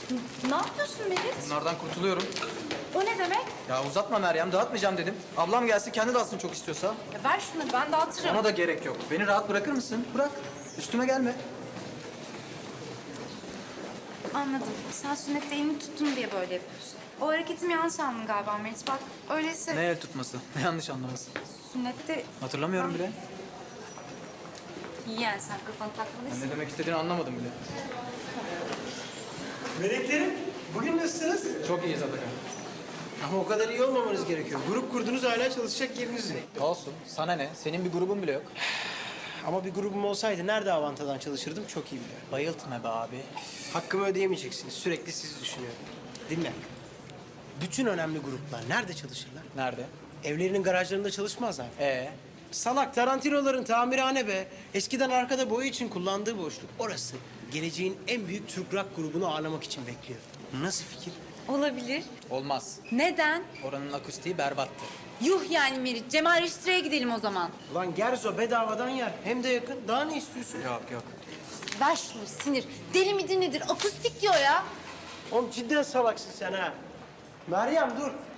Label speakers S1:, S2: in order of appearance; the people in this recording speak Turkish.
S1: Ne yapıyorsun Merit?
S2: Bunlardan kurtuluyorum.
S1: O ne demek?
S2: Ya uzatma Meryem, dağıtmayacağım dedim. Ablam gelsin, kendi dağıtsın çok istiyorsa.
S1: Ya ver şunları, ben dağıtırım.
S2: Ona da gerek yok. Beni rahat bırakır mısın? Bırak. Üstüme gelme.
S1: Anladım. Sen sünnette elini tuttun diye böyle yapıyorsun. O hareketimi yanlış anladın galiba Merit. Bak öyleyse
S2: Ne el tutması? Ne yanlış anlaması?
S1: sünnette...
S2: Hatırlamıyorum bile.
S1: İyi yani sen kafanı
S2: Ben
S1: takmalısın.
S2: ne demek istediğini anlamadım bile.
S3: Meleklerim, bugün nasılsınız?
S2: Çok iyiyiz Atakan.
S3: Ama o kadar iyi olmamanız gerekiyor. Grup kurdunuz, hala çalışacak yeriniz yok.
S2: Olsun. Sana ne? Senin bir grubun bile yok.
S3: Ama bir grubum olsaydı nerede Avanta'dan çalışırdım çok iyi biliyorum.
S2: Bayıltma be abi.
S3: Hakkımı ödeyemeyeceksiniz. Sürekli sizi düşünüyorum. Dinle. Bütün önemli gruplar nerede çalışırlar?
S2: Nerede?
S3: Evlerinin garajlarında çalışmazlar.
S2: Ee?
S3: Salak Tarantino'ların tamirhane be. Eskiden arkada boya için kullandığı boşluk. Orası geleceğin en büyük Türk rock grubunu ağırlamak için bekliyor. Nasıl fikir?
S1: Olabilir.
S2: Olmaz.
S1: Neden?
S2: Oranın akustiği berbattı.
S1: Yuh yani Merit. Cemal Reşitre'ye gidelim o zaman.
S3: Ulan Gerzo bedavadan yer. Hem de yakın. Daha ne istiyorsun?
S2: Yok yok.
S1: Ver şunları sinir. Deli midir nedir? Akustik diyor ya.
S3: Oğlum cidden salaksın sen ha. Meryem dur.